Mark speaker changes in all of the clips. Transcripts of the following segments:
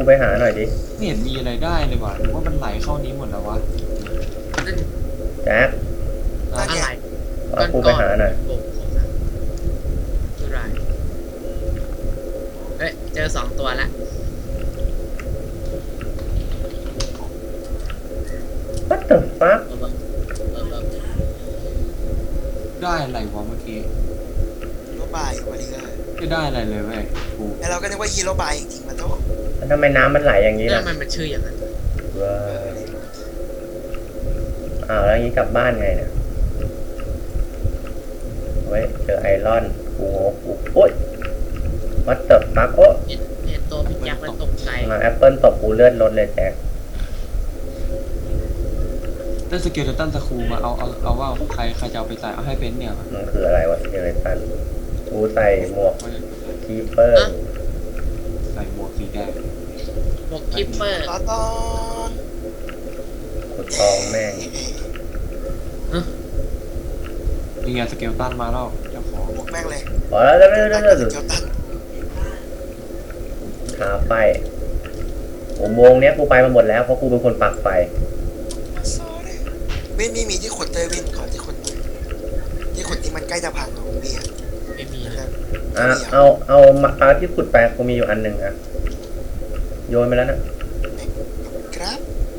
Speaker 1: ไปหาหน่อยดิ
Speaker 2: ไม่เห็นมีอะไรได้เลยว่ะหรือว่ามันไหลเข้านี้หมดแล้ววะ
Speaker 1: แจ็ค
Speaker 3: อะไร
Speaker 1: พากูไปหาหน่อย
Speaker 3: โอ้โหคือไรเฮ้ยเจอ2 ตัวละ
Speaker 1: What the fuck
Speaker 2: ได้อะไรวะเมื่อกี้
Speaker 4: ฮีโร่บายวันนี้ก็
Speaker 2: ไม่ได้อะไรเลยเว้ยกู
Speaker 4: แล้วเราก็นึกว่าฮีโร่บายจริงๆมันต้อง
Speaker 1: แล้วทำไมน้ำมันไหลอย่างนี้
Speaker 3: เรื่อ
Speaker 1: ล่ะ
Speaker 3: งมันชื่ออย่างนั้น
Speaker 1: ว้าวแล้วอย่างนี้กลับบ้านไงเนี่ยเว้ยเจอไอรอนกูโอ๊ย What the fuck โอ้
Speaker 3: เห็นตัวพี่ยักษ์แล้วตกใจ
Speaker 1: มาแอปเปิลตบกูเลือดลดเลยแจ็ค
Speaker 2: ได้สเกลตันสคูมาเอาว่าใครจะเอาไปใส่เอาให้เป็นเนี่ย
Speaker 1: มันคืออะไรวะเจเลตันกูใส่หมวกคีเปอร์
Speaker 2: ใส่หมวกสีแดง
Speaker 3: หมวกคิปเปอร์
Speaker 4: ตอน
Speaker 1: ขุดทองแม่ง
Speaker 2: ยังไงสเกลตันมาแล้วเจ้าของ
Speaker 4: บวกแม่งเลย
Speaker 1: พอแล้วเร็ว
Speaker 4: เกียวตัน
Speaker 1: หาไฟอุโมงค์เนี้ยกูไปมาหมดแล้วเพราะกูเป็นคนปักไฟ
Speaker 4: วินมีที่ขุดเลยวินขอที่ขุดที่ขุดที่มันใกล้จะพังของเบียร์
Speaker 3: ไม่มี
Speaker 1: เอามาที่ขุดไปกูมีอยู่อันหนึ่งอะโยนไปแล้วนะครับ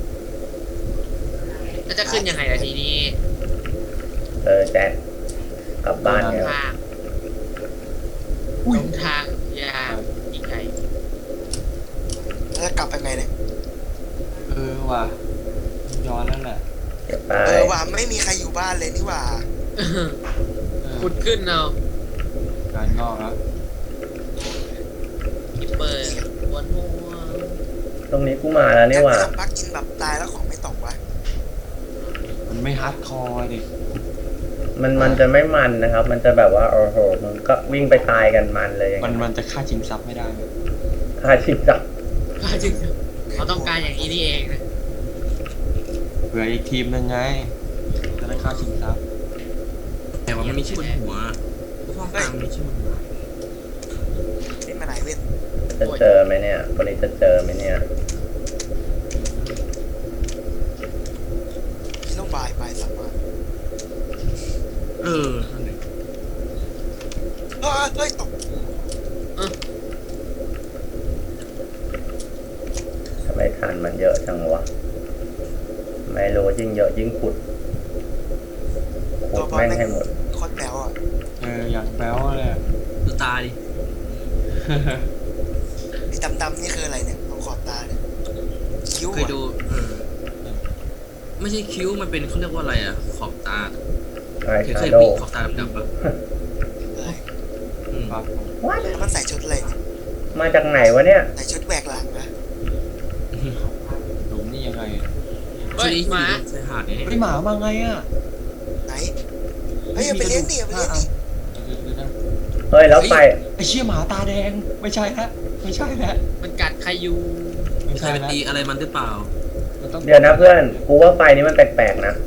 Speaker 3: แล้วจะขึ้นยังไงล่ะทีนี้
Speaker 1: แจ็คกลับบ้าน
Speaker 3: ลง
Speaker 1: แล้ว
Speaker 3: ทางลงทางยาวอีกไกล
Speaker 4: แล้วจะกลับไปไงเนี่ย
Speaker 2: ว่ะย้อนแล้วแหละ
Speaker 1: เก็บไป
Speaker 4: ว่าไม่มีใครอยู่บ้านเลยนี่ว่า
Speaker 3: ขุดขึ้นเอา
Speaker 2: การงอกแล้ว
Speaker 3: คิปเปอร์บนหัว
Speaker 1: ตรงนี้กูมาแล้วนี่หว่า
Speaker 4: พักกินแบบตายแล้วของไม่ตกวะ
Speaker 2: มันไม่ฮาร์ดคอร์ดิ
Speaker 1: มันจะไม่มันนะครับ มันจะแบบว่าโอ้โหมึงก็วิ่งไปตายกันมันเลยอย่าง
Speaker 2: มันจะฆ่าชิงทรัพย์ไม่ได้เลย
Speaker 1: ฆ่าชิงจับ
Speaker 3: ก็จริงเขาต้องการอย่างนี้นี่เองนะ
Speaker 2: เผื่ออีกทีมนึงไงจะได้ฆ่าชิงทรัพย์
Speaker 5: แต่ว่ามันมีชื่อบนหัวห้องกลางมีชื่อบนหัว
Speaker 4: นี่มาไหนเว้น
Speaker 1: จะเจอไหมเนี่ยคนนี้จะเจอไหมเนี่ย
Speaker 4: ฮีโร่บายสามารถ
Speaker 5: นั่นเอง
Speaker 4: เฮ้ยตก
Speaker 1: ทำไมทานมันเยอะจังวะไม่รู้ยิ่งเยอะยิ่งขุดแม่งให้หมด
Speaker 4: โคตรแป๋วอ่ะ
Speaker 2: อย่างแป๊วเลย
Speaker 5: ดูตาดิ
Speaker 4: นี่ดำๆนี่คืออะไรเนี่ยตรงขอบตาเนี่ยคิ้ว
Speaker 5: เคยดูไม่ใช่คิ้วมันเป็นเขาเรียกว่าอะไรอะขอบตา
Speaker 1: ไอ้
Speaker 5: เคย
Speaker 1: ชา
Speaker 5: มี
Speaker 1: โดว์
Speaker 5: ขอบตาดำๆปะ
Speaker 2: ครับ
Speaker 4: มันใส่ชุดอะไรเนี่ย
Speaker 1: มาจากไหนวะเนี่ย
Speaker 4: ใส่ชุดแหวกหลังนะ
Speaker 2: หลุมนี่ยังไง
Speaker 3: เฮ้ยหมา
Speaker 5: ใส่หาดเนี่ย
Speaker 2: ไอหมามาไงอ่ะ
Speaker 4: ไหนเฮ้ยไปเลี้ยงดิไปเลี้ยงดิ
Speaker 1: เฮ้ยแล้วไฟ
Speaker 2: ไอเชี่ยหมาตาแดงไม่ใช่แล้วไม่ใช่แล้ว
Speaker 3: มันกัดใครอยู่
Speaker 2: ไม่
Speaker 5: ใคร
Speaker 2: ใช่
Speaker 5: ไป
Speaker 2: แล้ว
Speaker 5: ตีอะไรมันหรือเปล่า
Speaker 1: เดี๋ยวนะเพื่อนกูว่าไฟนี้มันแปลกๆนะ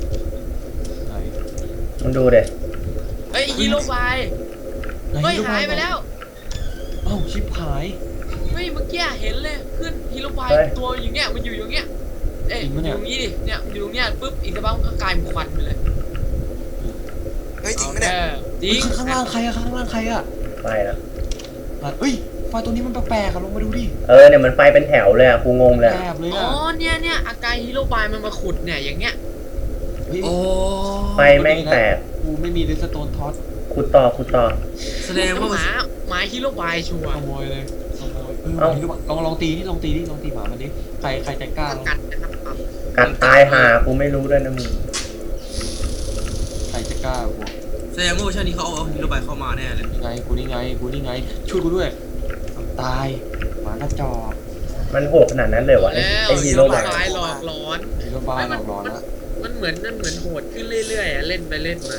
Speaker 1: มึงดูเด็
Speaker 3: เฮ้ยฮีโร่บายเฮ้ยหายไปแล้ว
Speaker 2: เอ้าชิบหาย
Speaker 3: เฮ้ยเมื่อกี้เห็นเลยขึ้นฮีโร่บายตัวอยู่เนี้ยมันอยู่อย่างเงี้ยเอ๊ะอยู่ตรงนี้ดิเนี่ยอยู่ตรงเนี้ยปุ๊บอีกสักพักก็กลายเป็นควันไปเลย
Speaker 4: เฮ้ยจริงไหมเนี่ย
Speaker 3: จริง
Speaker 2: ข้างล่างใครอะข้างล่างใครอะ
Speaker 1: ไฟนะ
Speaker 2: เฮ้ยไฟตัวนี้มันแปลกๆอะลงมาดูดิ
Speaker 1: เนี่ยมันไฟเป็นแถวเลยอะกูงงเลย
Speaker 2: แปลกเลย
Speaker 3: อ๋อ
Speaker 2: อะ
Speaker 3: เนี่ยอาการฮีโร่บายมันมาขุดเนี่ยอย่างเงี้ย
Speaker 2: เฮ้ย
Speaker 5: โอ้
Speaker 1: ไฟแม่งแตก
Speaker 2: กูไม่มีเรสโตนท็อต
Speaker 1: ขุดต่อ
Speaker 5: แสดงว่า
Speaker 3: หมาฮีโร่บายชัวร์
Speaker 2: ขโมยเลยขโมยลองตีนี่ลองตีหมามันดิใครจะกล้าลอง
Speaker 3: กัดนะครับ
Speaker 1: กัดตายหากูไม่รู้ด้วยนะมึง
Speaker 2: ใครจะกล้าบวก
Speaker 5: แสดงว่าเวอร์ชันนี้เขาเอาฮีโร่บายเข้ามาแน่เลย
Speaker 2: นี่ไงช่วยกูด้วยตายหมากระจอก
Speaker 1: มันโหดขนาดนั้นเลยวะ
Speaker 3: แล้ว
Speaker 1: ไอฮีโร่บาย
Speaker 3: บายหลอกหลอน
Speaker 2: ฮีโร่บ้าหลอกหลอนละ
Speaker 3: มันเหมือนโหดขึ้นเรื่อยๆเล่นไปเล่นมา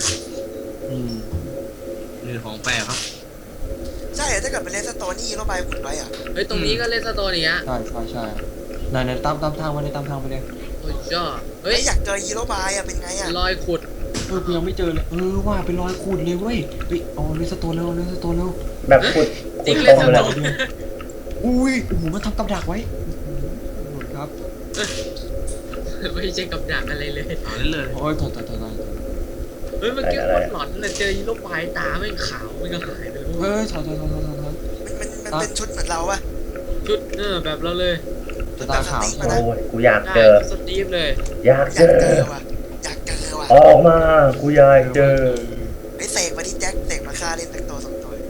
Speaker 5: นี่ของแปลกครับ
Speaker 4: ใช่ถ้าเกิดเป็นเลสโตนนี่ฮีโร่บายขุดไว้อ่ะ
Speaker 3: เฮ้ยตรงนี้ก็เล่นสโตนอย่างเงี้ย
Speaker 2: ใช่ไหนตามทางไปเลยตามทางไปเลย
Speaker 3: โอ้ยจ้าเฮ้
Speaker 4: เฮ้
Speaker 3: ย
Speaker 4: ยอยากเจอฮีโร่บายอ่ะเป็นไงอ่ะ
Speaker 3: รอยขุด
Speaker 2: กูยังไม่เจอเลยว่าเป็นรอยขูดเลยเว้ยเอาเรสโตนเร็ว
Speaker 1: แบบขุด
Speaker 3: จริง
Speaker 1: ต
Speaker 3: เล่
Speaker 1: ร
Speaker 3: น
Speaker 1: ง
Speaker 3: ส
Speaker 1: เล
Speaker 3: โต
Speaker 1: ย
Speaker 3: น
Speaker 2: อุ้ยโอ้โหมันทำกับดักไว้หลุดครับ
Speaker 3: ไม่ใช่กับดักอะไรเลย
Speaker 5: เอาเล่นเลย
Speaker 2: โอ้ยถอย
Speaker 3: เฮ้ยเมื่อกี้คนหลอนเลยเจอฮีโร่บายตาแม่งขาวไม่ก็หายไปเลย
Speaker 2: เฮ้ยถอย
Speaker 4: มันเป็นชุดเหมือนเราปะ
Speaker 3: ชุดแบบเราเลย
Speaker 2: จะตาขาว
Speaker 1: โอ้ยกูอยาก
Speaker 3: ได้
Speaker 1: เจอ
Speaker 3: สตีฟเลย
Speaker 1: อยาก
Speaker 4: อ
Speaker 1: เจ
Speaker 4: ยากเจ
Speaker 1: อ
Speaker 4: อว่ะอยากเจอว่ะ
Speaker 1: ออกมา กูอยากเจอ
Speaker 4: ไอ้เสกมาที่แจ็คเสกมาฆ่าเล่นตั้งตัว2 ตัว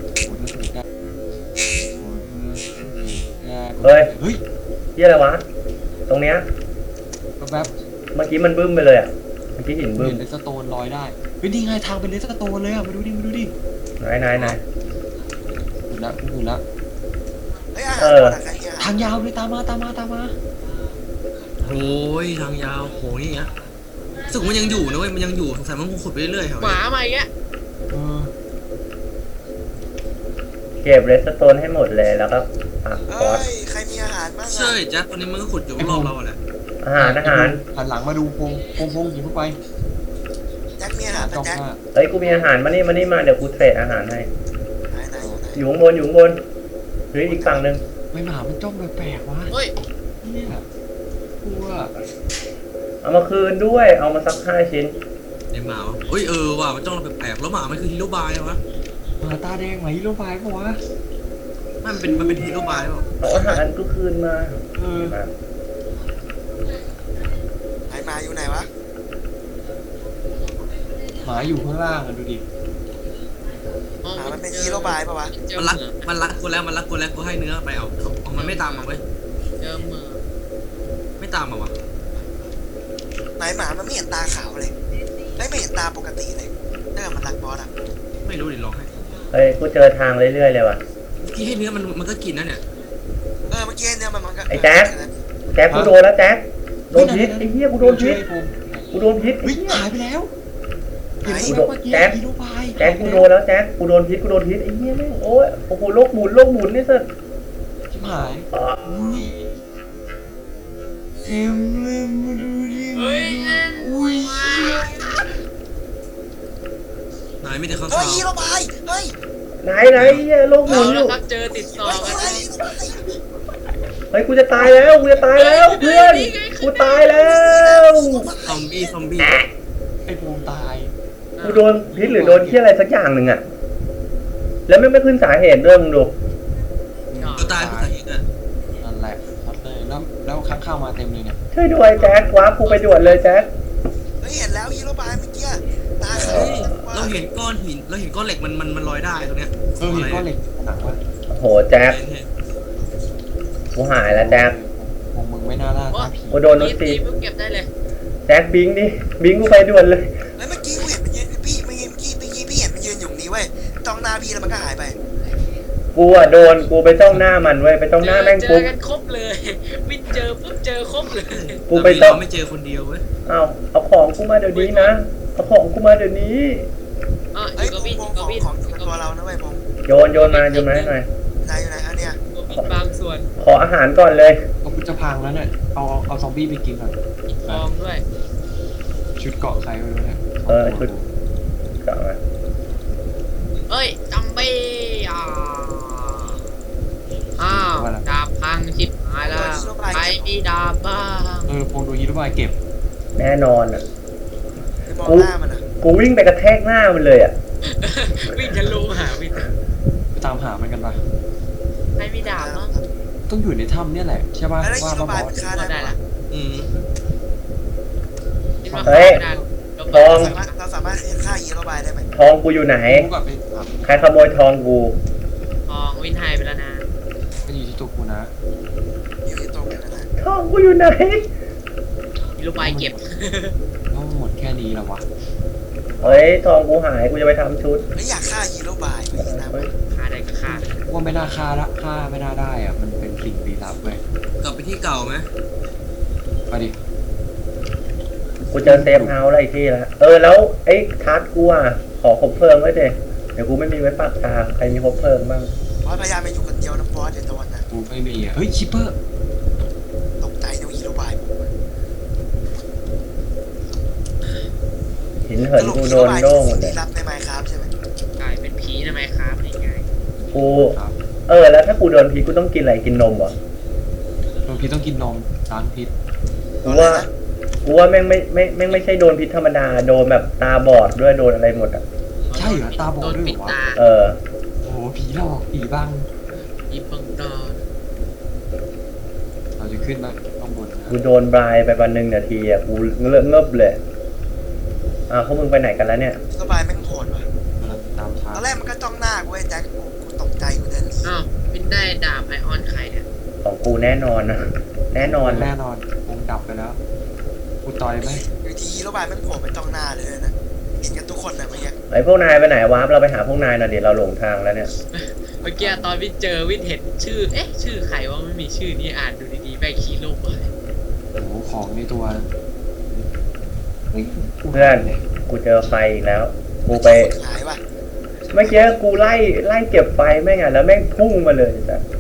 Speaker 2: เฮ้ย
Speaker 1: ที่อะไรวะ ตรงเนี้ย
Speaker 2: แบบ
Speaker 1: เมื่อกี้มันบึ้มไปเลยอ่ะ เมื่อกี้หินบึ้ม
Speaker 2: เห็นเลสโตนลอยได้เฮ้ยนี่ไงทางเป็นเลสโตนเลยอ่ะมาดูดิ
Speaker 1: ไหน
Speaker 2: หุ่นละ
Speaker 4: เฮ้ยอาหารหมดอะใครเนี่ย
Speaker 2: ทางยาวเลยตามมา
Speaker 5: โอ้ยทางยาวโหนี่เงี้ยรู้สึกมันยังอยู่นะเว้ยมันยังอยู่สงสัยมันคงขุดไปเรื่อยๆแถว
Speaker 3: หมา
Speaker 5: นี้
Speaker 3: มาอีกแล้ว
Speaker 1: เก็บเรสโตนให้หมดเลยแล้วก็ปักค
Speaker 4: เอ้
Speaker 1: อร์ส
Speaker 4: ยใครมีอาหารบ้าง
Speaker 5: ใช่
Speaker 4: อะ
Speaker 5: แจ็คคนนี้มันก็ขุดอยู่รอบเราแหละ
Speaker 1: อาหาร
Speaker 2: หันหลังมาดูพงยิงเข้าไป
Speaker 4: แจ็คมีอาหารปะ
Speaker 2: จ้อง
Speaker 4: แจ็ค
Speaker 2: หน้า
Speaker 1: เฮ้ย กูมีอาหารมานี่เดี๋ยวกูเทรดอาหารให้
Speaker 4: ไหนอยู่ไหน
Speaker 1: อยู่ข้างบนหรืออีกฝั่งหนึ่ง
Speaker 2: ไม่หมามันจ้องแปลกๆวะ
Speaker 3: เฮ้ย
Speaker 2: เนี่ยกลัว
Speaker 1: เอามาคืนด้วย เอามาสัก5 ชิ้น
Speaker 5: ไอ้หมาวะเฮ้ยว่ะมันจ้องเราแปลกๆแล้วหมามันคือฮีโร่บายวะ
Speaker 2: หมาตาแดงไหมฮีโร่บายปะวะ
Speaker 5: ไม่มันเป็นฮีโร่บายเปล่า
Speaker 1: เอาอาหารกูคืนมา
Speaker 2: เออ
Speaker 1: มา
Speaker 4: ไหนมาอยู่ไหนวะ
Speaker 2: หมาอยู่ข้างล่างอะดูดิ
Speaker 3: อ๋อ
Speaker 4: หามันเป็นฮีโร่บายปะวะ
Speaker 3: เจอ
Speaker 5: มัน
Speaker 3: เห
Speaker 5: รัก
Speaker 3: มือ
Speaker 5: มันรักกูแล้วกูให้เนื้อไปเอามันไม่ตามมาเว้ย
Speaker 3: เจอเหมือ
Speaker 5: ไม่ตามมาวะ
Speaker 4: ไหนหมามันไม่เห็นตาขาวเลยไม่เห็นตาปกติเลยถ้าเกิดมันรักบอสอะ
Speaker 5: ไม่รู้ดิลองให้
Speaker 1: เฮ้ย กูเจอทางเรื่อยๆเลยว่ะ
Speaker 5: เมื่อกี้ให้เนื้อมันก็กินนะเนี่ย
Speaker 4: เมื่อกี้เนี่ยมันก็
Speaker 1: ไอ้แจ๊ค แจ็คกูโดนแล้วแจ็คโดนพิษไอ้เหี้ยกูโดนพิษ กูโดนพิษไอ้
Speaker 2: เฮ้ย
Speaker 1: เหี้ย
Speaker 2: หายไปแล้วเห็นไหม
Speaker 1: กูโดน
Speaker 2: เมื่อกี้
Speaker 1: แจ็ค
Speaker 2: ฮีโร่บาย
Speaker 1: แจ็คกูโดนแล้วแจ็คกูโดนพิษไอ้เหี้ยแม่งโอ้ยโอ้โหโลกหมุนนี่สิ
Speaker 2: ชิบหายอุ้ยเอ็มเลยมาดูดิ
Speaker 3: เฮ้ย
Speaker 2: อุ้ย
Speaker 5: นายไม่ได้ข้าง
Speaker 4: เฮ้
Speaker 5: ขาย ว
Speaker 4: ฮีโร่บายเฮ้ย
Speaker 1: ไหนเหี้ยโลกหมุ
Speaker 3: เอา
Speaker 1: นอ
Speaker 3: แล้ว
Speaker 1: ยู่
Speaker 3: ครับเจอติดต่อ
Speaker 4: เฮ้ย
Speaker 3: กัน
Speaker 4: ฮีโร่บาย
Speaker 1: เฮ้ยกูจะตายแล้วเพื่อนกูตายแล้ว
Speaker 5: ซอมบี้
Speaker 2: ไอ้ภูมิตาย
Speaker 1: กูโดนพิษหรือโดนที่อะไรสักอย่างหนึ่งอะแล้วไม่ขึ้นสาเหตุด้วยมึงดู
Speaker 5: ตัวตายผู้ชายเองอะ
Speaker 2: นั่นแหละครับเลยแล้วข้างข้าวมาเต็มเลยเนี่ย
Speaker 1: ช่วยด้วยแจ็คว้ากูไปด่วนเลยแจ็ค
Speaker 4: เฮ้ยเห็นแล้วฮีโร่บายเมื่อกี้ตาขาว
Speaker 5: เฮ้ยเราเห็นก้อนหินเราเห็นก้อนเหล็กมันลอยได้ตรงเนี้ย
Speaker 2: เห็นก้อนเหล็กหนักวะ
Speaker 1: โอ้โหแจ็คกูหายแล้วแจ็ค
Speaker 2: คงมึงไม่น่าล่าท้าผี
Speaker 1: กูโดนรถตี
Speaker 3: เพิ่งเก็บได้เลย
Speaker 1: แจ็คบิงดิบิงกูไปด่วนเลย
Speaker 4: เฮ้ยเมื่อกี้กูเห็นมันยืนพี่เมื่อกี้พี่เห็นมันยืนอยู่นี้เว้ยจ้องหน้าพี่แล้วมันก็หายไป
Speaker 1: กูอะโดนกูไปจ้องหน้ามันเว้ยไปจ้องหน้าแม่ง
Speaker 3: เจ
Speaker 1: ปุ๊
Speaker 3: อบ กันครบเลย วิ่งเจอปุ๊บเจอครบเลย
Speaker 1: กูไปจ้อง
Speaker 5: เราไม่เจอคนเดียวเว้ย
Speaker 1: เอาของกูมาเดี๋ยวนี้นะเอาของกูมาเดี๋ยวนี้
Speaker 3: อ่ะอ
Speaker 4: เฮ้ย
Speaker 3: ยู่กับวิน
Speaker 4: พ
Speaker 3: อง ยู่
Speaker 4: ข
Speaker 3: กั
Speaker 4: อบ ง
Speaker 3: วิน
Speaker 4: ของตัวเรานะเว้ยพง
Speaker 1: โยนมาให้หน่อย
Speaker 4: ไหนอยู่ไหนอันเนี้ย
Speaker 3: กับวินบางส่วน
Speaker 1: ขออาหารก่อนเลย
Speaker 2: เอากูจะพังแล้วเนี่ยเอาซอมบี้ไปกินก่อน
Speaker 3: ทองด้วย
Speaker 2: ชุดเกาะใครไม่รู้เนี่ย
Speaker 1: ชุดกลับมา
Speaker 3: เอ้ยจัมบี้อ้าวดาบพังชิบหายแล้วใครมีดาบบ้าง
Speaker 2: พงดูฮีโร่บายเก็บ
Speaker 1: แน่นอนอ่ะ
Speaker 4: ไปมองหน้ามันอะ
Speaker 1: กูวิ่งไปกระแทกหน้ามันเลยอ่ะ
Speaker 3: วิ่งทะลุหาวิน
Speaker 2: ไปตามหามันกันปะ
Speaker 3: ใครมีดาบบ้าง
Speaker 2: ต้องอยู่ในถ้ำเนี่ยแหละใช่ป่ะ
Speaker 4: แล้วฮี
Speaker 2: ว่า
Speaker 4: โร่
Speaker 2: บ
Speaker 4: บาย
Speaker 2: อ
Speaker 4: มัน
Speaker 2: ส
Speaker 4: ฆ่า
Speaker 3: ก็
Speaker 4: ได้
Speaker 3: ได้
Speaker 4: ปะ
Speaker 3: ละ
Speaker 5: อืม
Speaker 3: คิดว่าฆ่าไม่ได้
Speaker 1: ทอง
Speaker 4: เราสามารถฆ่าฮีโร่บายได้ไหม
Speaker 1: ทองกูอยู่ไหน
Speaker 2: กูกลับไปถาม
Speaker 1: ใครขโมยทองกู
Speaker 3: ทองวินหายไปแล้วนะ
Speaker 2: ก็อยู่ที่ตัวกูนะ
Speaker 4: อยู่ที่ตรงนั้นนะ
Speaker 1: ทองกูอยู่ไหน
Speaker 3: มีลูกไม้เก็บ
Speaker 2: แล้วหมดแค่นี้แล้ววะ
Speaker 1: เฮ้ยทองกูหายกูจะไปทำชุด
Speaker 4: ไม่อยากฆ่าฮีโร่บายเลยนะ
Speaker 1: เฮ้ย
Speaker 3: ฆ่าได้ก็ฆ่า
Speaker 2: ว่าไม่น่าฆ่าละฆ่าไม่น่าได้อ่ะมันเป็นสิ่งลี้ลับเว้ย
Speaker 5: กลับไปที่เก่าไหม
Speaker 2: มาดิ
Speaker 1: กูเจอเซฟเฮาส์อะไรที่แล้วแล้วไอ้ทัดกูอ่ะขอคบเพลิงไว้เด็เดี๋ยวกูไม่มีไว้ปากทางใครมีคบเพลิงบ้าง
Speaker 4: บอสพยายามไปอยู่คนเดียวนะบอสเดี๋ยวโดนนะ
Speaker 2: กูไม่มีอ่ะเฮ้ยชิปเปอร์
Speaker 4: ตกใจนะฮีโร่บาย
Speaker 1: หินเหินกูโดนโล่งหมดเลย
Speaker 4: ที่รับในไมค์ครับใช่ไหม
Speaker 3: กลายเป็นผีทำไมครับนี่ไง
Speaker 1: กูแล้วถ้ากูโดนพิษกูต้องกินอะไรกินนมเหรอ
Speaker 2: โดนพิษต้องกินนมล้างพิษ
Speaker 1: กูว่าแม่งไม่ใช่โดนพิษธรรมดาโดนแบบตาบอดด้วยโดนอะไรหมดอ่ะ
Speaker 2: ใช่เหรอตาบอ
Speaker 3: โด
Speaker 2: ด
Speaker 3: น
Speaker 2: ด้วย
Speaker 3: ปิด
Speaker 2: เหรอวะ
Speaker 3: ตา
Speaker 1: เออ
Speaker 2: โอ้โหผีหลอกผีบ้าง
Speaker 3: อีบังดอน
Speaker 2: เราจะขึ้นมาข้างบนนะ
Speaker 1: กูโดนบรายไปวัน1 นาทีอ่ะกูเงบเลยพวกมึงไปไหนกันแล้วเนี่ย
Speaker 4: สบายแม่งโหดว่ะ
Speaker 2: กำลังตามทาง
Speaker 4: ตอนแรกมันก็จ้องหน้ากูไอ้แจ็คกูตกใจกูเดินหนี
Speaker 3: อ้าววินได้ดาบไอออนใครเนี่ย
Speaker 1: ของกูแน่นอนนะแน่นอน
Speaker 2: แน่นอนวงดับไปแล้วกูต่อยไหม
Speaker 4: อยู่ทีฮีโร่บายแม่งโผล่ไปจ้องหน้าเลยนะเห็นกันทุกคนนะเมื่อกี้
Speaker 1: ไอ้พวกนายไปไหนวะเราไปหาพวกนายหน่อยเดี๋ยวเราหลงทางแล้วเนี่ย
Speaker 3: เมื่อกี้ตอนวินเจอวินเห็นชื่อชื่อใครว่าไม่มีชื่อนี่อ่านดูดีๆแม่งคีโร่บาย
Speaker 2: โอ้โหของในตัวเฮ้ย
Speaker 1: เพื่อนกูเจอไฟอีกแล้ว กูไป
Speaker 4: หายว่ะ
Speaker 1: เมื่อกี้กูไล่เก็บไฟแม่งอ่ะแล้วแม่งพุ่งมาเลยจ้ะ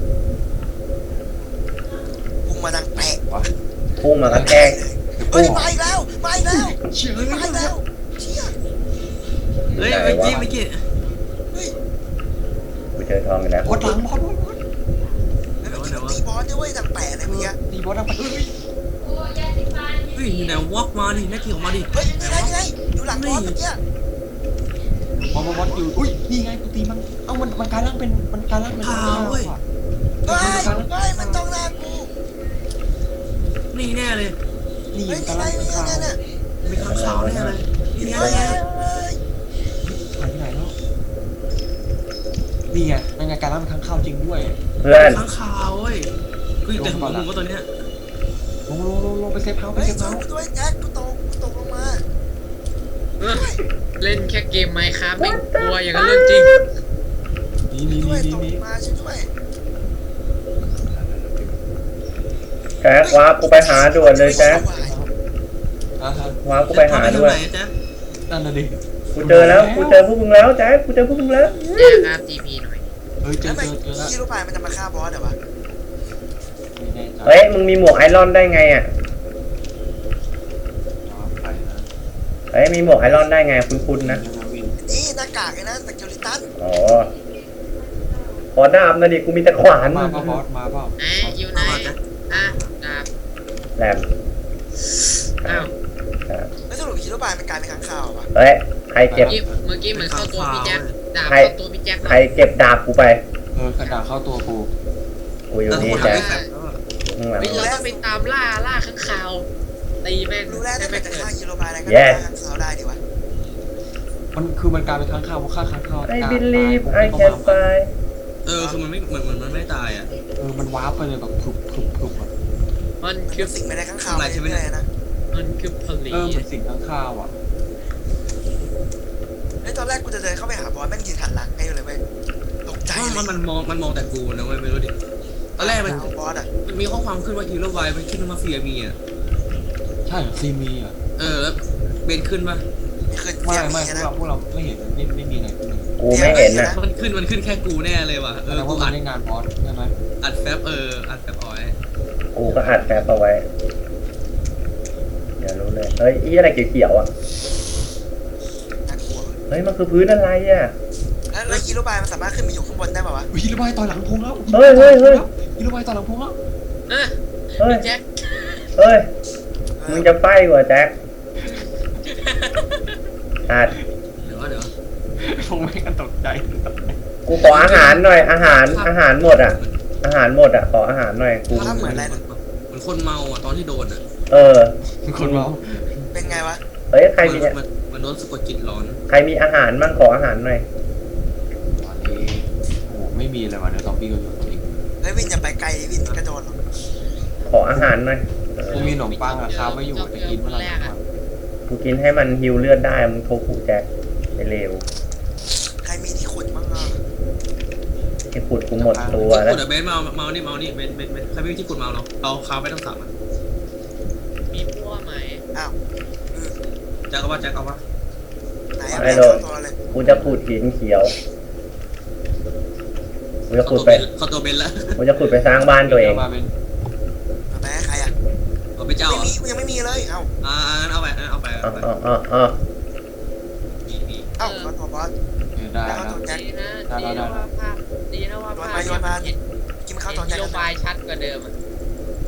Speaker 4: พุ่งมาดังแปะ
Speaker 2: วะ
Speaker 1: พุ่งมากระแทก
Speaker 4: เฮ้ยมาอีกแล้วมาอีกแล้ว
Speaker 2: เชื่อ
Speaker 4: มาอีกแล้วเชี่ย
Speaker 5: เฮ้ยเมื่อกี้เมื่อกี้
Speaker 4: เฮ้ย
Speaker 1: กูเจอทองอีกแล้ว
Speaker 2: บอสหลังบอส
Speaker 4: แล้วเมื่อกี้มันตีบอสด้วยเว้ยดังแปะเลยเมื่อกี้
Speaker 2: ตีบอสดังไปเฮ้ย
Speaker 5: เฮ้ยอยู่ไหนวอกมาดิแม่ทีออกมาดิ
Speaker 4: เฮ้ยนี่ไงนี่ไงอยู่หลังบอสเมื่อกี้
Speaker 2: บอสอยู่อุ้ยนี่ไงกูตีมันเอ้ามันกลายร่างเป็นมันกลายร่างเป็น
Speaker 5: ขาวเว้ย
Speaker 4: เฮ้ยเฮ้ยมันจ้องหน้ากู
Speaker 5: นี่แน่เลย
Speaker 2: นี่
Speaker 4: เฮ้ย
Speaker 2: มันกลาย
Speaker 4: นี่
Speaker 2: ร่าง
Speaker 4: ไง
Speaker 2: เป็น
Speaker 4: นี่
Speaker 2: ขาว
Speaker 4: ไงเนี่ย
Speaker 5: มีข้างขาวแน่เลยนี่ไง
Speaker 4: เฮ้ย
Speaker 5: นี่ไง
Speaker 4: เฮ้ย
Speaker 2: หายไปไหนแล้วนี่ไงมันไงกลายร่างเป็นข้างข้าวจริงด้วย
Speaker 1: เพื่อน
Speaker 5: ข้างขาวเว้ยกูอยู่แต่หัวมึงว่าตัวเนี้ย
Speaker 2: ลงไปเซฟเฮาส์ไป
Speaker 4: เฮ้ย
Speaker 2: เซฟ
Speaker 4: ช่วย
Speaker 2: เฮาส์
Speaker 4: กูด้วยแจ็คกูตกลงมา
Speaker 3: เล่นแค่เกมไมค์ครับไม่กลัวอย่างนั้นเรื่องจริง
Speaker 2: นี่
Speaker 4: ช่วยตก
Speaker 2: นี่
Speaker 4: มาช่วยด้วย
Speaker 1: แจ็ควาร์ปกูไปหาด่วนเลยแจ็ค
Speaker 2: อ่ะฮะ
Speaker 1: วาร์ปกูไปหาด้วย
Speaker 5: ไหนจ๊ะ
Speaker 2: นั่นน่ะดิ
Speaker 1: กูเจอแล้วกูเจอพวกมึงแล้วแจ็คกูเจอพวกมึงแล้ว
Speaker 3: แจ้งครับ TP หน่อย
Speaker 2: เฮ้ยเจ
Speaker 4: แล้ว
Speaker 2: อ
Speaker 4: ทำไม
Speaker 2: แล้ว
Speaker 4: ฮีโร่บายมันจะมาฆ่าบอสเหรอวะ
Speaker 2: ไม่แน่ใจ
Speaker 1: เฮ้ยมึงมีหมวกไอรอนได้ไงอ่ะ
Speaker 2: ไปนะ
Speaker 1: เฮ้ยมีหมวกไอรอนได้ไงคุ้นๆนะ
Speaker 2: วิน
Speaker 4: นี่หน้ากากไอ้นะสเกลิตัน
Speaker 1: อ๋อขอดาบหนะดิกูมีแต่ขวาน
Speaker 2: มาเปล่าบอสมาเปล่า
Speaker 3: อยู่ไหนอ่ะดาบ
Speaker 1: แหลม
Speaker 3: อ้าว
Speaker 4: แล้วสรุปฮีโร่บายมันกลายเป็นค้างคาววะ
Speaker 1: เฮ้ยใครเก็บ
Speaker 3: เมื่อกี้เหมือนเข้าตัวพี่แจ็คดาบ
Speaker 1: ใคร
Speaker 3: เข้าตัวพี่แจ็ค
Speaker 1: ใครเก็บดาบกูไป
Speaker 2: กระดาษเข้าตัวกู
Speaker 1: กูอยู่นี่
Speaker 5: แจ็
Speaker 1: แจ็
Speaker 5: ค
Speaker 1: คข้างหลัง
Speaker 3: เราต้องไปตามล่าข้างคาวตีแม่ง
Speaker 4: รู้แล้ว
Speaker 3: ได้
Speaker 4: ถ้า
Speaker 3: แม่
Speaker 4: เกิ
Speaker 3: ง
Speaker 4: ดจะ
Speaker 3: เกิด
Speaker 4: ฆ่าฮีโร่บายอะไรก็ฆ่าค้างคาวได้ดีวะ
Speaker 2: มันกลายเป็นค้างคาวเพราะฆ่าค้างคาว
Speaker 1: I believe I can fly
Speaker 5: คือมันไม่เหมือนมันไม่ตายอ่ะ
Speaker 2: มันว้าร์ปไปเลยแบบพลุบอ่ะ
Speaker 3: มัน
Speaker 4: คื
Speaker 3: คือ อ
Speaker 4: สิ่งไม่ได้ค้างคาวไปเรื่อยๆนะ
Speaker 3: มันคือผลิต
Speaker 2: เหมือนสิ่งค้างคาวอ่ะ
Speaker 4: ไอ้ตอนแรกกูจะเดินเข้าไปหาบอสแม่งยืนหันหลังให้เลยเว้ยตกใจ
Speaker 5: เพราะ
Speaker 4: เลย
Speaker 5: มันมองแต่กูนะเว้ยไม่รู้ดิตอนแรกมัน
Speaker 4: บอสอ่ะ
Speaker 5: มีข้อความขึ้นว่าฮีโร่ไวมันขึ้นมาเฟียมีอ่ะ
Speaker 2: ใช่เหรอซีมีอ่ะ
Speaker 5: แล้วเบนขึ้นป่ะ
Speaker 4: มีขึ้น
Speaker 2: ไม่
Speaker 4: เสียง
Speaker 2: ไม่
Speaker 4: มีนะ
Speaker 2: พวกเราไม่เห็นไม่มีอะไรขึ้นเลย
Speaker 1: กูไม่เห็นนะ
Speaker 5: มันขึ้นแค่กูแน่เลยว่ะ
Speaker 2: แสดง
Speaker 5: กู
Speaker 2: ว่ามั
Speaker 5: อั
Speaker 2: น
Speaker 5: ด
Speaker 2: ได้งานบอสใช่ไหม
Speaker 5: อัดแฟบอัดแฟบออย
Speaker 1: กูก็อัดแฟบเอาไว้เดี๋ยวรู้เลยเฮ้ยอีอะไรเขียวๆอ่ะ
Speaker 4: น่ากลัว
Speaker 1: เฮ้ยมันคือพื้นอะไรอ่ะ
Speaker 4: แล้วฮีโร่บายมันสามารถขึ้นไปอยู่ข้างบนได้ป่าวะ
Speaker 2: ฮีโร่บายต่อยหลังพงแล้ว
Speaker 1: เฮ้ย
Speaker 2: ฮีโร่บายต่อยหลังพงแล้ว
Speaker 3: อ่ะ
Speaker 1: เฮ้ย
Speaker 3: พี่แจ็ค
Speaker 1: เฮ้ยมึงจะไปกว่าแจ็คอัด
Speaker 5: เดี๋ยว
Speaker 2: พงไม่กันตกใจ
Speaker 1: กูขออาหารหน่อยอาหารหมดอ่ะ อาหารหมดอ่ะขออาหารหน่อยกู
Speaker 4: ภาพเหมือนอะไรนะ
Speaker 5: เหมือนคนเมาอ่ะตอนที่โดนอ่ะ
Speaker 1: เออ
Speaker 2: คนเมา
Speaker 4: เป็นไงวะ
Speaker 1: เฮ้ยใครมี
Speaker 5: มันโดนสะกดจิตร้อน
Speaker 1: ใครมีอาหารมั่งขออาหารหน่อย
Speaker 2: ตอนนี้โอ้ไม่มีเลยว่ะเดี๋ยวซอมบี้ก็อยู่จริง
Speaker 4: เฮ้ยวินอย่าไปไกลวินกระโดดหรอก
Speaker 1: ขออาหารหน่อย
Speaker 2: กูมีขนมปังอะค้าไม่อยู่แต่กินเมื่อไหร่ก่อน
Speaker 1: กูกินให้มันฮิวเลือดได้มึงโทรผูแจ็คไปเร็ว
Speaker 4: ใครมีที่ขุดบ้างอ่ะ
Speaker 1: ไอ้ขุดกูหมดตัว
Speaker 5: ที่
Speaker 1: แล้ว
Speaker 5: กดเบนเมานี่เบนใครไม่มีที่กดเมาเนาะเอาคาไปต้องสับอ่ะ
Speaker 3: มีพัวไหม
Speaker 4: อ้าวเออ
Speaker 5: แจ็คเอาว่า
Speaker 4: ไหนอะไม่เข้าตัวเลย
Speaker 1: กูจะขุดหินเขียวกูจะขุดไป
Speaker 5: เขาตัวเบนแล้ว
Speaker 1: กูจะขุดไปสร้างบ้านตัวเอง
Speaker 2: มาเป็น
Speaker 4: เอาไปให้ใครอ่ะ
Speaker 5: เอาไปเจ้า
Speaker 4: ไม่มียังไม่มีเลยเอ้า
Speaker 5: งั้นเอาไป
Speaker 1: อ๋อ
Speaker 5: นี่
Speaker 4: เอ้ามาตัวบอส
Speaker 2: ได้
Speaker 4: แล้ว
Speaker 2: แล้ว
Speaker 4: ตัวแจ็ค
Speaker 3: ดีนะว่าภาพเห็น
Speaker 4: กินข้าวตัว
Speaker 3: ฮี
Speaker 4: แจ็ค
Speaker 3: โร่
Speaker 4: กัน
Speaker 3: บายชัดกว่าเดิมอ่ะ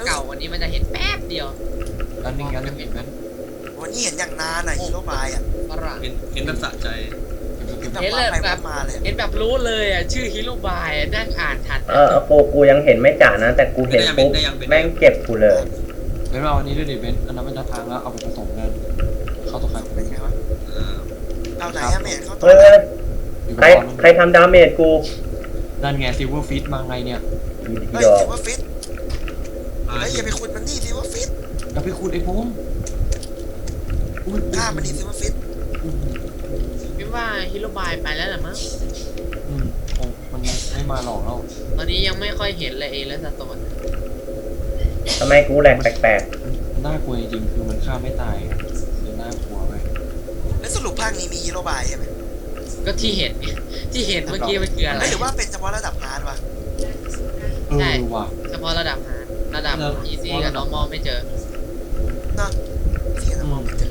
Speaker 3: เก่าวันนี้มันจะเห็นแป๊บเดียว
Speaker 2: อันนี้งั้นเห็นไหม
Speaker 4: วันนี้เห็นอย่างนานอะฮีโร่บายอะ
Speaker 3: ฝรั่ง
Speaker 5: เห็นแบบสะใจ
Speaker 4: แบบ
Speaker 3: เห็น
Speaker 4: ว่า
Speaker 3: เลย
Speaker 4: ไป
Speaker 3: แบบ
Speaker 4: มาเลย
Speaker 3: เห็นแบบรู้เลยอ่ะชื่อฮิโรบายนั่งอ่านทัน
Speaker 1: กูยังเห็นไม่จ่านะ แต่กูเห็นปุ๊บแม่งเก็บกูเลย
Speaker 2: เบนเอาอันนี้ด้วยดิเบนอันนั้นมันจะทางแล้วเอาไปผสมกันเข้าตัวใคร
Speaker 4: เป็นไงวะเอาไหนอะไม่เห็นเขาตัว
Speaker 1: เฮ้ย
Speaker 2: อยู่
Speaker 1: ใคร
Speaker 2: กับ
Speaker 1: ใครทำดาเมจกู
Speaker 2: นั่นไงซิลเวอร์ฟิตมาไงเนี่ย
Speaker 4: เฮ้ย
Speaker 1: ดอก
Speaker 4: ถือว่าฟิตเฮ้ยอย่าไปขุดมันนี่ถือว่าฟิต
Speaker 2: อย่าไปขุดไอ้พงอุ้ย
Speaker 4: ฆ่ามันนี่ถือว่าฟิต
Speaker 3: พี่ว่าฮิโรบายไปแล้วเหรอมั้ง
Speaker 2: คงมันไม่มาหลอกแล้ว
Speaker 3: ตอนนี้ยังไม่ค่อยเห็นเลยเอและสโตน
Speaker 1: ทำไมกูแหลกแปลก
Speaker 2: น่ากลัวจริงๆคือมันฆ่าไม่ตายเลยน่ากลัวไป
Speaker 4: แล้วสรุปภาคนี้มีฮีโร่บายใช่ไหม
Speaker 3: ก็ที่เห็นไงที่เห็นเมื่อกี้มันคืออะไร
Speaker 4: ไม่หรือว่าเป็นเฉพาะระดับฮาร์ดวะ
Speaker 2: เออว่ะ
Speaker 3: เฉพาะระดับฮาร์ดระดับ easy กับ normal ไม่เจอ
Speaker 4: เนาะที่เรามองไม่เจอ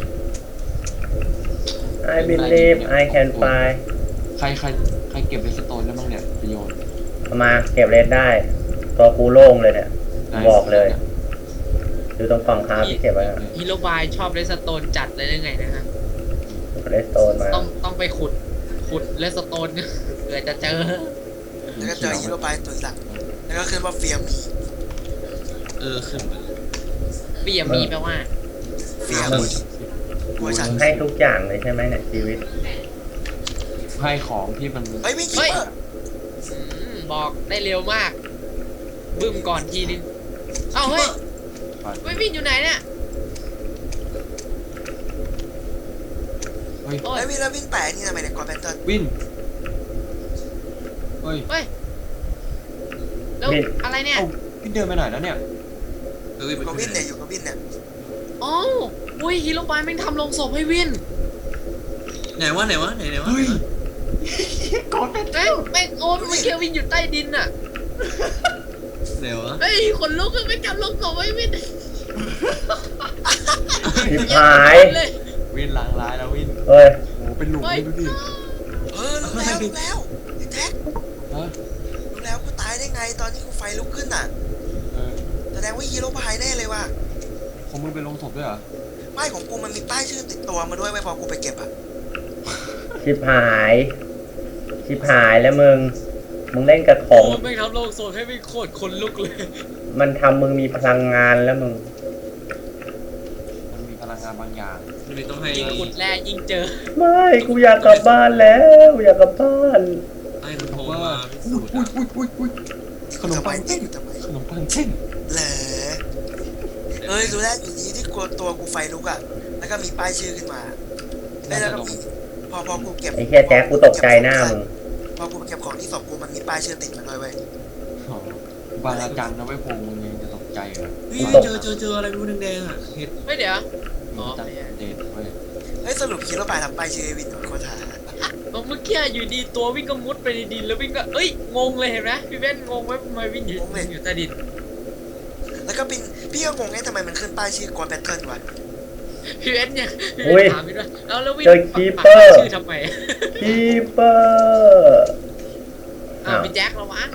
Speaker 1: ๆ I believe I can fly
Speaker 2: ใครเก็บเรสโตนได้บ้างเนี่ยไปโยน
Speaker 1: มาเก็บเลนได้ ตัวกูโล่งเลยเนี่ย บอกเลย ดูตรงกล่องคาที่เก็บไว้
Speaker 3: ฮิโรบายชอบเรสโตนจัดเลยได้ไงนะฮะ
Speaker 1: เลสโตนมา
Speaker 3: ต้องไปขุดเรสโตน เผื่อจะเจอ
Speaker 4: แล้วก็เจอฮีโร่บายตัวหลักแล้วก็ขึ้นว่าเฟียมี
Speaker 5: ขึ้นไป
Speaker 3: เปียมีแปลว่า
Speaker 4: เฟียมีเวอร์ชัน
Speaker 1: ให้ทุกอย่างเลยใช่ไหมเนี่ยชีวิต
Speaker 2: ให้ของที่มัน
Speaker 4: เฮ้ยไม่คิด
Speaker 3: เฮ้ย
Speaker 4: ว่า
Speaker 3: บอกได้เร็วมาก บึ้มก่อนทีนึง เอ้าเฮ้ยไม่วินอยู่ไหนเนี่ย
Speaker 2: เฮ้ย
Speaker 3: โอ้ย
Speaker 4: ไอ้วินแล้ววินแปะนี่ทำไมเนี่ยกอร์แบนเทิล
Speaker 2: วินเฮ้ย
Speaker 3: เฮ้ย แล้ว
Speaker 1: วิน
Speaker 3: อะไรเนี่ย
Speaker 2: เอ้าวินเดินไปไหนแล้วเนี่ย
Speaker 4: อยู่กับวินเนี่ยอยู่กับวินเนี่ย
Speaker 3: อ๋ออุ้ยฮิโรบายแม่งทำลงศพให้วิน
Speaker 5: ไหนวะ
Speaker 2: เฮ้ยก่อนเป็น
Speaker 3: แม่งโอ้ยมันเคียววินอยู่ใต้ดินอ่ะ
Speaker 5: ไหนวะ
Speaker 3: เฮ้ยขนลุกเลยไม่กลับลงศพให้วิน
Speaker 1: ชิบหาย
Speaker 3: เลย
Speaker 2: วินล้างร้ายแล้ววิน
Speaker 1: เฮ้ย
Speaker 2: โอ้เป็นหลุมเลยดูดิ
Speaker 4: รู้แล้วไอ้แท็ก
Speaker 2: ฮะ
Speaker 4: รู้แล้วกูตายได้ไงตอนที่กูไฟลุกขึ้นอ่ะ
Speaker 2: เออ
Speaker 4: แสดงว่าฮีโร่บายแน่เลยว่ะ
Speaker 2: ของมึงไปลงศพด้วยเหรอ
Speaker 4: ป้ายของกูมันมีป้ายชื่อติดตัวมาด้วยไว้พอกูไปเก็บอ่ะ
Speaker 1: ชิบหาย ชิบหายแล้วมึงเล่นกับของ
Speaker 3: โอ้ยแม่งทำลงศพให้วินโคตรขนลุกเลย
Speaker 1: มันทำมึงมีพลังงานแล้วมึง
Speaker 2: มันมีพลังงานบางอย่าง
Speaker 5: ไม่ต้องให้
Speaker 3: ยิ่งขุดแร่ยิ่งเจอ
Speaker 1: ไม่กูอยากกลับบ้านแล้วอยากกลับบ้าน
Speaker 5: ให้คุณโทรมาพิสูจน์
Speaker 2: อุ้ยขนมปังเช่น
Speaker 4: ทำไม
Speaker 2: ขนมปังเช่น
Speaker 4: เหรอเอ้ยรู้แล้วอยู่ดีที่กลัวตัวกูไฟลุกอ่ะแล้วก็มีป้ายชื่อขึ้นมาแล้วก็มีพอกูเก็บ
Speaker 1: ไอ้แค่แจ็คกูตกใจหน้ามึง
Speaker 4: พอกูเก็บของที่ศพกูมันมีป้ายชื่อติดมาด้วยเว้ย
Speaker 2: อ๋อ บางอาจารย์นะไว้พงมึงยังจะตกใจเหรอ
Speaker 5: เฮ้ยเจออะไรไม่รู้แดงๆอ่ะเห็ด
Speaker 3: ไม่เดี๋ยว อ๋อ
Speaker 2: จัดเด็ดเว้ย
Speaker 4: เฮ้ยสรุปฮีโร่บายทำป้ายชื่อไอ้วินโคตรหา
Speaker 3: เมื่อกี้อยู่ดีตัววิ่งก็มุดไปในดินแล้ววิ่งก็เอ้ยงงเลยเห็นไหมพี่เว้นงงไหมทำไมวิ่งอยู่ใต้ดิน
Speaker 4: แล้วก็เป็นพี่ก็งงไงทำไมมันขึ้นป้ายชื่อกอนแบทเทิลวะ
Speaker 3: พี่เว้นเนี่ยพี่
Speaker 1: อุ้
Speaker 3: เว้
Speaker 1: ย
Speaker 3: นถามพี่ด้วยแล้ววิ่ง
Speaker 1: เจอ
Speaker 3: ปัก
Speaker 1: คี
Speaker 3: ปัก
Speaker 1: เปอร์
Speaker 3: ชื่อทำไม
Speaker 1: คีเปอร์
Speaker 3: พี่แจ็คระวัง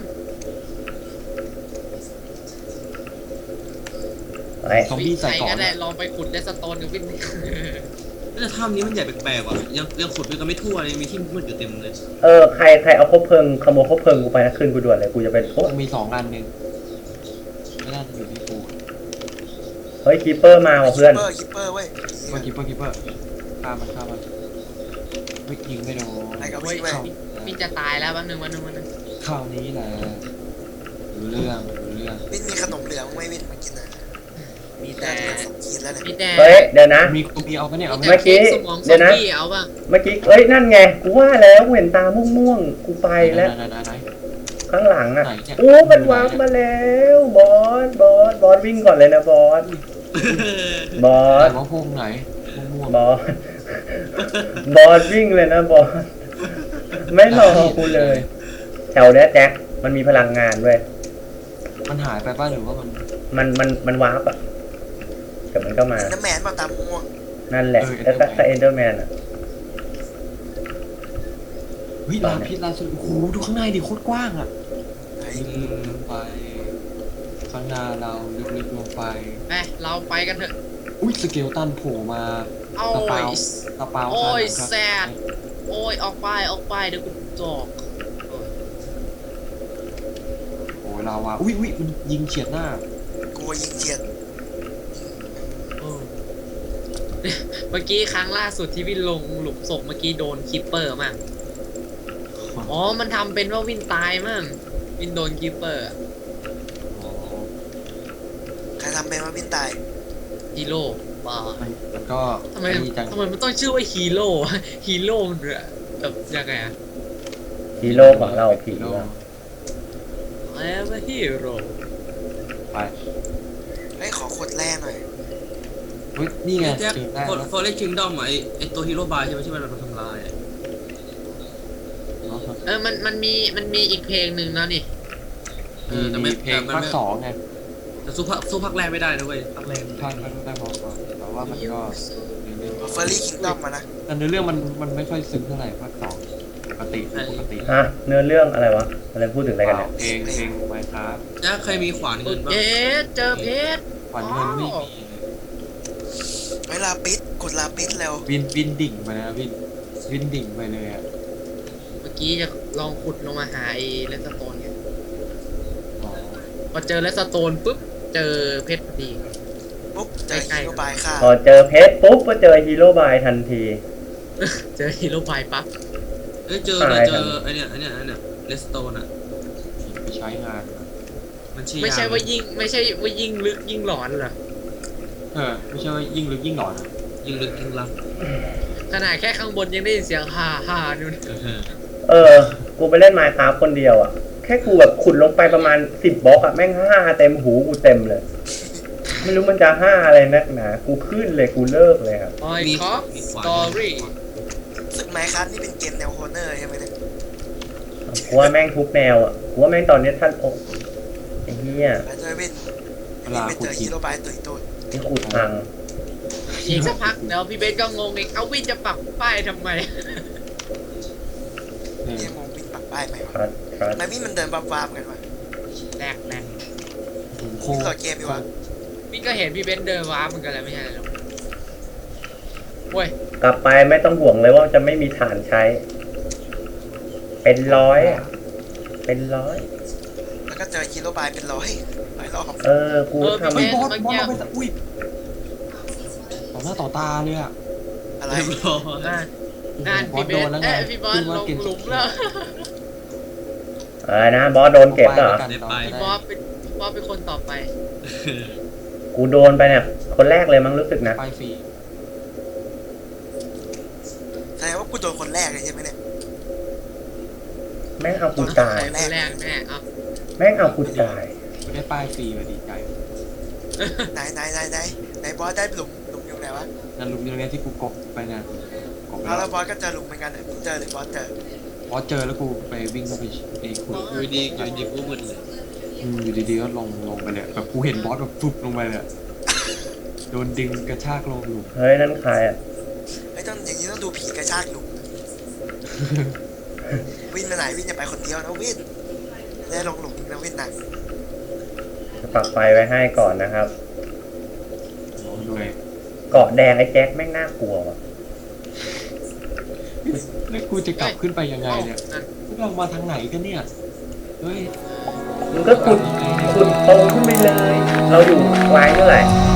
Speaker 1: ไอ้
Speaker 2: ซอมบี้ใส่
Speaker 3: ใคร
Speaker 2: ก่อ
Speaker 3: ก็
Speaker 2: น
Speaker 3: ได้ลองไปขุดเลสโตนกับวิ่ง
Speaker 5: แต่ถ้ำนี้มันใหญ่แปลกๆว่ะยังขุดด้วยกันไม่ทั่วเลยมีที่มืดอยู่เต็มเลย
Speaker 1: ใครเอาคบเพลิงขโมยคบเพลิงกูไปนะขึ้นกูด่วนเลยกูจะเป็นโอ้
Speaker 2: มี2 อันหนึ่งไม่น่าจะอยู่ที่กู
Speaker 1: เฮ้ยคีเปอร์มาว่ะเพื่อน
Speaker 4: คิปเปอร์เว้ย
Speaker 2: คิปเปอร์ฆ่ามันไม่ยิงไม่โดน
Speaker 4: อะไรกับ
Speaker 3: เฮ้
Speaker 4: วิ
Speaker 3: ย
Speaker 4: นเว้ย
Speaker 3: วิ่งจะตายแล้ววันหนึ่ง
Speaker 2: ข้าวนี้แหละรู้เรื่อง
Speaker 4: วินมีขนมเหลืองไม่วินมากินนะ
Speaker 3: มี
Speaker 4: แต่
Speaker 3: แต่
Speaker 4: สองขีดแล้วเนี่ย
Speaker 3: มีแต่
Speaker 1: เฮ้ยเดี๋ยวนะ
Speaker 2: มีเอาปะเนี่ยเอา
Speaker 3: มี
Speaker 2: ปะ
Speaker 3: แต่
Speaker 2: เนี่ย
Speaker 3: เค้กสมองซ
Speaker 1: เดี๋
Speaker 3: อ
Speaker 1: ยว
Speaker 3: ม
Speaker 1: นะ
Speaker 3: บี้เอาป่ะ
Speaker 1: เมื่อกี้นั่นไงกูว่าแล้วกูเห็นตาม่วงๆกูไปแล้ว
Speaker 2: ไหน
Speaker 1: ข้างหลังอ่ะ
Speaker 2: ไหนเนี่ย
Speaker 1: โอ้มันวางมาแล้วบอสวิ่งก่อนเลยนะบอส
Speaker 2: ไหนว่าพวกไหนม่วง
Speaker 1: บอสวิ่งเลยนะบอสไม่รอกูเลย แถวเนี้ยแจ็คมันมีพลังงานด้วย
Speaker 2: มันหายไปป่ะหรือว่า
Speaker 1: มันวาร์ปอ่ะแต่มันก็มา
Speaker 4: น้ำแมนมาตามม่วง
Speaker 1: นั่นแหละแล้วก็เอนเดอร์แมนอ่ะ
Speaker 2: เฮ้ยลานพิษลานสุดโอ้โหดูข้างในดิโคตรกว้างอ่ะ
Speaker 4: ไอ้
Speaker 2: ไปข้างหน้าเราลึกๆลงไป
Speaker 3: ไปเราไปกันเถอะ
Speaker 2: อุ้ยสเกลตันโผล่มา
Speaker 3: โอ้
Speaker 2: ตะเปาย ตะเปา
Speaker 3: โอ้ย
Speaker 2: ครับ
Speaker 3: แซดโอ้ยออกไปเดี๋ยวกูจอกโอ้ย
Speaker 2: โอ้ยลาวาอุ้ยมันยิงเฉียดหน้า
Speaker 4: กูยิงเจียน
Speaker 3: เมื่อกี้ครั้งล่าสุดที่วินลงหลุมศพเมื่อกี้โดนคิปเปอร์มากอ๋อมันทำเป็นว่าวินตายมั่งวินโดนคิปเปอร์
Speaker 2: อ๋อ
Speaker 4: ใครทำเป็นว่าบินตาย
Speaker 3: ฮีโร่บ้า
Speaker 2: มันก็
Speaker 3: ทำไม
Speaker 2: ดีจัง
Speaker 3: มันต้องชื่อว่าฮีโร่วะฮีโร่มันแบบยังไงอะ
Speaker 1: ฮีโร่ของเราผีว่ะ
Speaker 3: I am a hero
Speaker 2: ไป
Speaker 4: เฮ้ยขอขวดแร่หน่อย
Speaker 2: เฮ้ยนี่ไง
Speaker 5: แจ็ค
Speaker 2: เจอได้
Speaker 5: ฟอเรสต์คิงดอมไอตัวฮีโร่บายใช่ไหมที่มันโดนทำลาย
Speaker 3: มันมีอีกเพลงหนึ่งแล้วนี่
Speaker 2: มีเพลงภาคสองไง
Speaker 5: แต่สู้ภาคแรกไม่ได้นะเว้ยภาคแรก
Speaker 2: ภาคได้พอก่อนแต่ว่ามันก็
Speaker 4: เฟอร์รี่คิงดอมมานะ
Speaker 2: แต่เนื้อเรื่องมันไม่ค่อยซึ้งเท่าไหร่ภาคสองปกติ
Speaker 1: ฮะเนื้อเรื่องอะไรวะอะไรพูดถึงอะไรกันเนี่ย
Speaker 2: เพลงไมค์ครับ
Speaker 5: แจ็คเคยมีขวานเงินบ้าง
Speaker 3: เอ๊ะเจอเพชร
Speaker 2: ขวัญเงินไม่มี
Speaker 4: เวลาปิดกดลาปิดแล้ว
Speaker 2: วินดิ่งไปนะวินดิ่งไปเลยอ่ะ
Speaker 3: เมื่อกี้จะลองขุดลงมาหาไอ้เลสโตนไง
Speaker 2: อ๋อ
Speaker 3: พอเจอเลสโตนปุ๊บเจอเพชรพอดี
Speaker 4: ปุ๊บเจอฮีโร่บายค่ะ
Speaker 1: พอเจอเพชรปุ๊บก็เจอฮีโร่บายทันที
Speaker 3: เจอฮีโร่บายปั๊บ
Speaker 5: เจอไอเนี่ยเลสโตนอ่ะ
Speaker 2: ไปใช้งาน
Speaker 5: มันชี้
Speaker 3: ไม่ใช่ว่ายิ่งลึกยิ่งหลอนเหรอ
Speaker 2: ไม่ใช่ว่ายิ่งลึกยิ่งหลอน
Speaker 5: ยิงลึกยิงลับ
Speaker 3: ขนาดแค่ข้างบนยังได้ยินเสียงฮ่านู่น
Speaker 1: กูไปเล่นไมค์คราฟคนเดียวอ่ะแค่กูแบบขุดลงไปประมาณ10 บล็อกอ่ะแม่ง5เต็มหูกูเต็มเลย ไม่รู้มันจะ5อะไรนักหนากูขึ้นเลยกูเลิกเลยครับ
Speaker 3: ออยคอฟสตอรี่
Speaker 4: สึกไมค์ครับนี่เป็นเกมแนวโฮเนอร์ใช่ไหมเนี่ย
Speaker 1: กูว่าแม่งทุกแนวอ่ะกูว่าแม่งตอนนี้ท่านโอ้ไอ้เหี้ย
Speaker 4: แล้วเจอวิน
Speaker 2: เวลา
Speaker 4: ไป
Speaker 2: ขุ
Speaker 4: เจ
Speaker 2: ด
Speaker 4: อ
Speaker 2: หิ
Speaker 4: ฮี
Speaker 2: น
Speaker 4: โร่บายตุยตุย
Speaker 1: ที่ขุดพัง
Speaker 3: อีกสักพักเดี๋ยวพี่เบนก็งงอีกเอาวินจะปักป้ายทำไม
Speaker 4: ยังงงวินปักป้ายไหมวะ
Speaker 1: ครับ
Speaker 4: ทำไมวินมันเดินวาบๆกันวะ
Speaker 3: แรก
Speaker 2: โค
Speaker 4: วินโหลดเกมอยู่วะ
Speaker 3: พี่ก็เห็นพี่เบนเดินว้าเหมือนกันแหละไม่ใช่หรอเว้ย
Speaker 1: กลับไปไม่ต้องห่วงเลยว่าจะไม่มีฐานใช้ เป็นร้อยอะเป็นร้อย
Speaker 4: แล้วก็เจอฮีโร่บายเป็น100หลายรอบ
Speaker 1: กูทำ
Speaker 2: เฮ้ยบอสเราไปสักอุ้ยต่อหน้าต่อตาเลยอ่ะ
Speaker 4: อะไร
Speaker 5: เรียบร้อย
Speaker 3: นั่นพี่เบนพี่บอสลงหลุมแล้ว
Speaker 1: อะไรนะบอสโดนเก็บเหรอ
Speaker 3: พี่บอสเป็นคนต่อไป
Speaker 1: กูโดนไปเนี่ยคนแรกเลยมั้งรู้สึกนะ
Speaker 2: ไปฟรี
Speaker 4: แสดงว่ากูโดนคนแรกเลยใช่ไหมเนี่ย
Speaker 1: แม่งเอากูตาย
Speaker 3: คนแรกแน่เอา
Speaker 1: แม่งเอากูตาย
Speaker 2: ไม่ได้ป้ายฟรีมาดีใจ
Speaker 4: ไหนบอสได้หลุมอยู่ไหนวะ
Speaker 2: นั่นลุมยังไงที่กูกบไปนะกบไป
Speaker 4: เอา
Speaker 2: แล้
Speaker 4: แล้ว วบอสก็เจอหลุมเหมือนกันเนี่ยเจอหรือบอสเจอ
Speaker 2: พอเจอแล้วกูไปวิ่งเข้าไปเองขุด
Speaker 5: อยู่ดีกูมึนเลย
Speaker 2: อยู่ดีๆก็ลงไปเลยแบบกูเห็นบอสแบบฟึบลงไปเลยโดนดึงกระชากลงหลุม
Speaker 1: เฮ้ยนั่นใครอ่ะ
Speaker 4: ไอ้ต้องอย่างนี้ต้องดูผีกระชากหลุมวินไปไหนวินจะไปคนเดียวนะวินได้ลงหลุมนะวินนะ
Speaker 1: จะปักไฟไว้ให้ก่อนนะครับ
Speaker 2: ด้วย
Speaker 1: เกาะแดงไอ้แจ็คแม่งน่ากลัวว่ะ
Speaker 2: แล้วกูจะกลับขึ้นไปยังไงเนี่ยพวกเรามาทางไหนกันเนี่ยเฮ้ย
Speaker 1: มึงก็ขุดตรงขึ้นไปเลย เราอยู่วายเท่าไหร่